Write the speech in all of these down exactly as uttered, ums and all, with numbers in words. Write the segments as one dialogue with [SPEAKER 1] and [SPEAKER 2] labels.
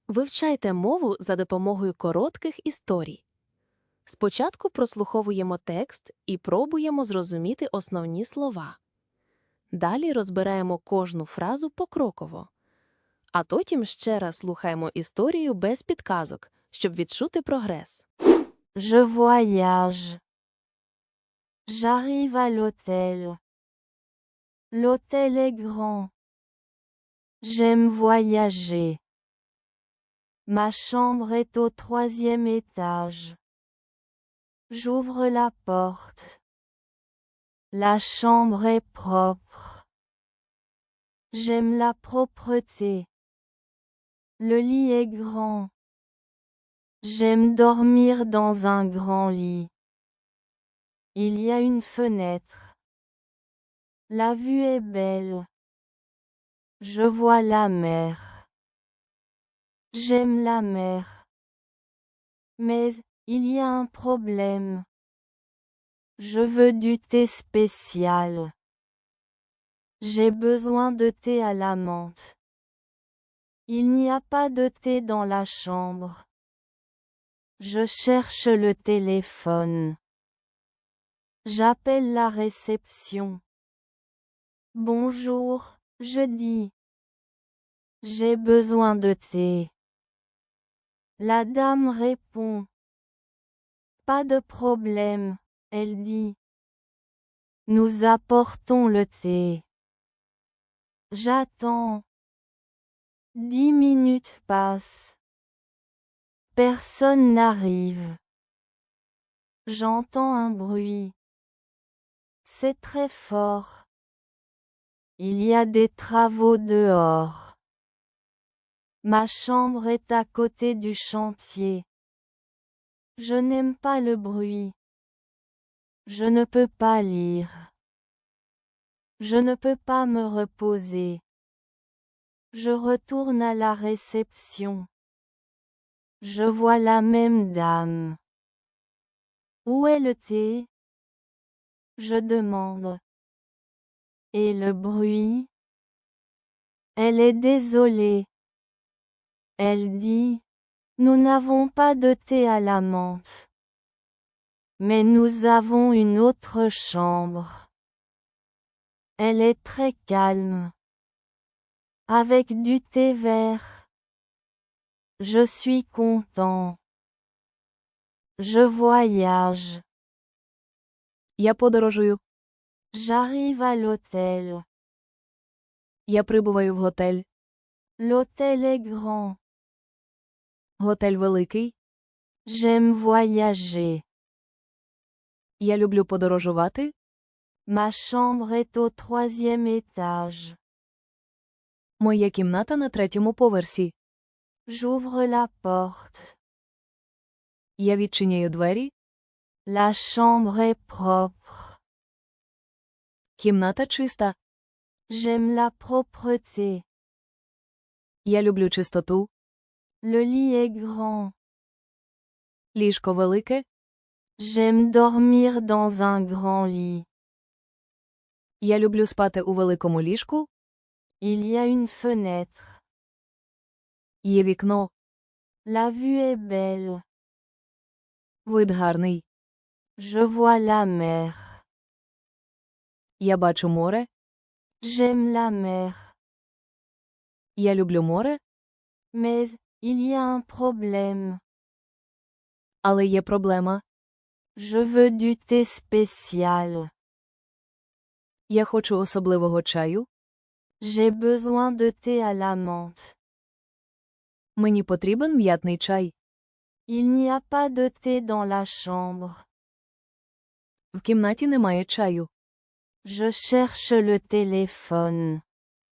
[SPEAKER 1] Вивчайте мову за допомогою коротких історій. Спочатку прослуховуємо текст і пробуємо зрозуміти основні слова. Далі розбираємо кожну фразу покроково. А потім ще раз слухаємо історію без підказок, щоб відчути прогрес.
[SPEAKER 2] Je voyage. J'arrive à l'hôtel. L'hôtel est grand. J'aime voyager. Ma chambre est au troisième étage. J'ouvre la porte. La chambre est propre. J'aime la propreté. Le lit est grand. J'aime dormir dans un grand lit. Il y a une fenêtre. La vue est belle. Je vois la mer. J'aime la mer. Mais, il y a un problème. Je veux du thé spécial. J'ai besoin de thé à la menthe. Il n'y a pas de thé dans la chambre. Je cherche le téléphone. J'appelle la réception. Bonjour, je dis. J'ai besoin de thé. La dame répond. Pas de problème, elle dit. Nous apportons le thé. J'attends. Dix minutes passent. Personne n'arrive. J'entends un bruit. C'est très fort. Il y a des travaux dehors. Ma chambre est à côté du chantier. Je n'aime pas le bruit. Je ne peux pas lire. Je ne peux pas me reposer. Je retourne à la réception. Je vois la même dame. Où est le thé? Je demande. Et le bruit? Elle est désolée. Elle dit, nous n'avons pas de thé à la menthe. Mais nous avons une autre chambre. Elle est très calme. Avec du thé vert. Je suis content. Je voyage.
[SPEAKER 1] Я подорожую.
[SPEAKER 2] J'arrive à l'hôtel.
[SPEAKER 1] Я прибуваю в готель.
[SPEAKER 2] L'hôtel est grand.
[SPEAKER 1] Готель великий.
[SPEAKER 2] J'aime voyager.
[SPEAKER 1] Я люблю подорожувати.
[SPEAKER 2] Ma chambre est au troisième étage.
[SPEAKER 1] Моя кімната на третьому поверсі.
[SPEAKER 2] J'ouvre la porte.
[SPEAKER 1] Я відчиняю двері.
[SPEAKER 2] La chambre est propre.
[SPEAKER 1] Кімната чиста.
[SPEAKER 2] J'aime la propreté.
[SPEAKER 1] Я люблю чистоту.
[SPEAKER 2] Le lit est grand.
[SPEAKER 1] Ліжко велике.
[SPEAKER 2] J'aime dormir dans un grand lit.
[SPEAKER 1] Я люблю спати у великому ліжку.
[SPEAKER 2] Il y a une fenêtre.
[SPEAKER 1] Є вікно.
[SPEAKER 2] La vue est belle.
[SPEAKER 1] Вид гарний.
[SPEAKER 2] Je vois la mer.
[SPEAKER 1] Я бачу море.
[SPEAKER 2] J'aime la mer.
[SPEAKER 1] Я люблю море.
[SPEAKER 2] Mais, il y a un problème.
[SPEAKER 1] Але є проблема.
[SPEAKER 2] Je veux du thé spécial.
[SPEAKER 1] Я хочу особливого чаю.
[SPEAKER 2] J'ai besoin de thé à la menthe.
[SPEAKER 1] Мені потрібен м'ятний чай.
[SPEAKER 2] Il n'y a pas de thé dans la chambre.
[SPEAKER 1] В кімнаті немає чаю.
[SPEAKER 2] Je cherche le téléphone.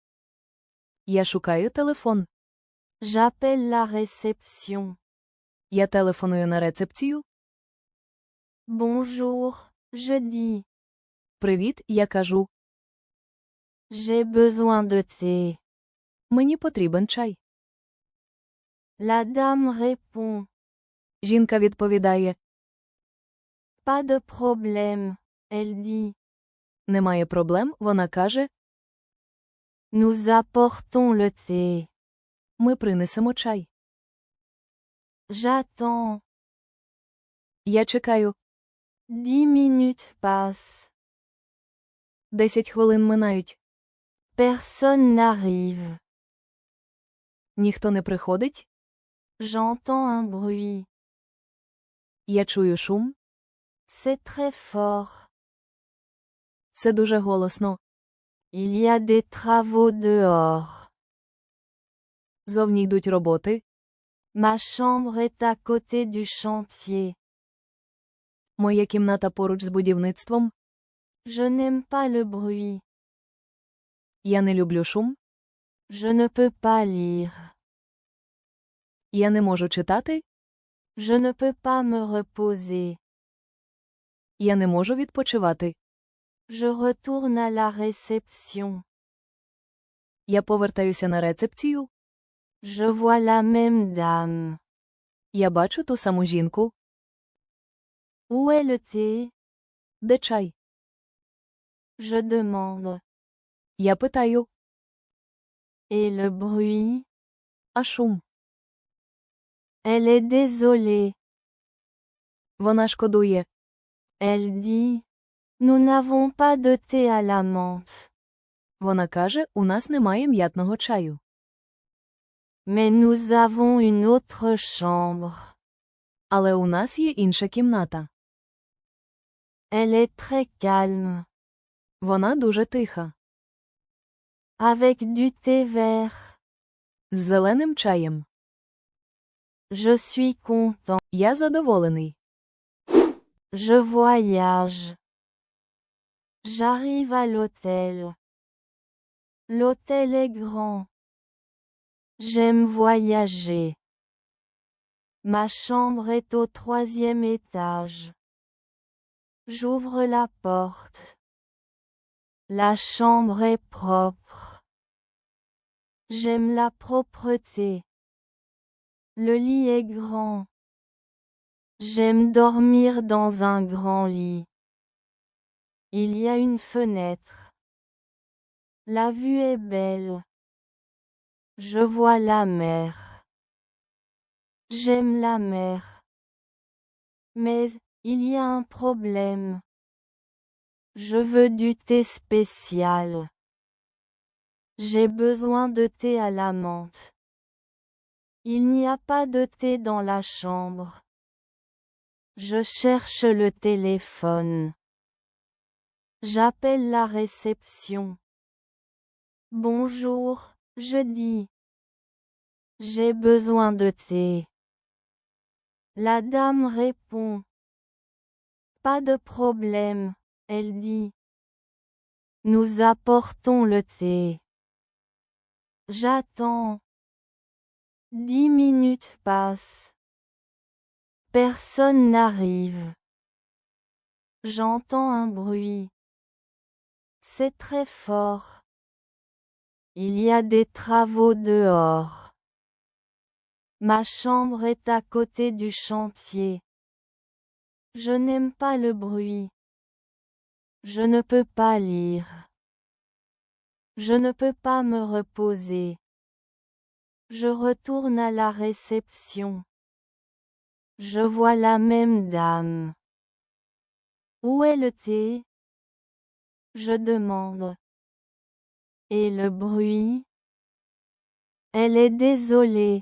[SPEAKER 1] Я шукаю телефон.
[SPEAKER 2] J'appelle la réception.
[SPEAKER 1] Я телефоную на рецепцію.
[SPEAKER 2] Bonjour, je dis.
[SPEAKER 1] Привіт, я кажу.
[SPEAKER 2] J'ai besoin de thé.
[SPEAKER 1] Мені потрібен чай.
[SPEAKER 2] La dame répond.
[SPEAKER 1] Жінка відповідає.
[SPEAKER 2] Pas de problème, elle dit.
[SPEAKER 1] Немає проблем, вона каже.
[SPEAKER 2] Nous apportons le thé.
[SPEAKER 1] Ми принесемо чай.
[SPEAKER 2] J'attends.
[SPEAKER 1] Я чекаю.
[SPEAKER 2] Dix minutes passent.
[SPEAKER 1] Десять хвилин минають.
[SPEAKER 2] Personne n'arrive.
[SPEAKER 1] Ніхто не приходить.
[SPEAKER 2] J'entends un bruit.
[SPEAKER 1] Я чую шум.
[SPEAKER 2] C'est très fort.
[SPEAKER 1] Це дуже голосно.
[SPEAKER 2] Il y a des travaux dehors.
[SPEAKER 1] Зовні йдуть роботи.
[SPEAKER 2] Ma chambre est à côté du chantier.
[SPEAKER 1] Моя кімната поруч з будівництвом.
[SPEAKER 2] Je n'aime pas le bruit.
[SPEAKER 1] Я не люблю шум.
[SPEAKER 2] Je ne peux pas lire.
[SPEAKER 1] Я не можу читати.
[SPEAKER 2] Je ne peux pas me reposer.
[SPEAKER 1] Я не можу відпочивати.
[SPEAKER 2] Je retourne à la réception.
[SPEAKER 1] Я повертаюся на рецепцію.
[SPEAKER 2] Je vois la même dame.
[SPEAKER 1] Я бачу ту саму жінку.
[SPEAKER 2] Où est le thé?
[SPEAKER 1] Де чай?
[SPEAKER 2] Je demande.
[SPEAKER 1] Я питаю.
[SPEAKER 2] Et le bruit?
[SPEAKER 1] А шум?
[SPEAKER 2] Elle est désolée.
[SPEAKER 1] Вона шкодує.
[SPEAKER 2] Elle dit. Nous n'avons pas de thé à la menthe.
[SPEAKER 1] Вона каже, у нас немає м'ятного чаю.
[SPEAKER 2] Mais nous avons une autre chambre.
[SPEAKER 1] Але у нас є інша кімната.
[SPEAKER 2] Elle est très calme.
[SPEAKER 1] Вона дуже тиха.
[SPEAKER 2] Avec du thé vert.
[SPEAKER 1] З зеленим чаєм.
[SPEAKER 2] Je suis content.
[SPEAKER 1] Я задоволений.
[SPEAKER 2] Je voyage. J'arrive à l'hôtel. L'hôtel est grand. J'aime voyager. Ma chambre est au troisième étage. J'ouvre la porte. La chambre est propre. J'aime la propreté. Le lit est grand. J'aime dormir dans un grand lit. Il y a une fenêtre. La vue est belle. Je vois la mer. J'aime la mer. Mais, il y a un problème. Je veux du thé spécial. J'ai besoin de thé à la menthe. Il n'y a pas de thé dans la chambre. Je cherche le téléphone. J'appelle la réception. Bonjour, je dis. J'ai besoin de thé. La dame répond. Pas de problème, elle dit. Nous apportons le thé. J'attends. Dix minutes passent. Personne n'arrive. J'entends un bruit. C'est très fort. Il y a des travaux dehors. Ma chambre est à côté du chantier. Je n'aime pas le bruit. Je ne peux pas lire. Je ne peux pas me reposer. Je retourne à la réception. Je vois la même dame. Où est le thé? Je demande. Et le bruit? Elle est désolée.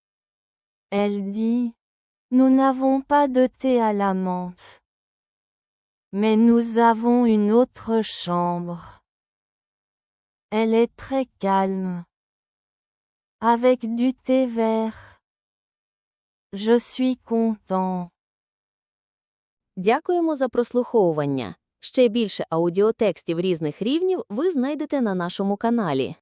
[SPEAKER 2] Elle dit. Nous n'avons pas de thé à la menthe. Mais nous avons une autre chambre. Elle est très calme. Avec du thé vert. Je suis content.
[SPEAKER 1] Дякуємо за прослуховування. Ще більше аудіотекстів різних рівнів ви знайдете на нашому каналі.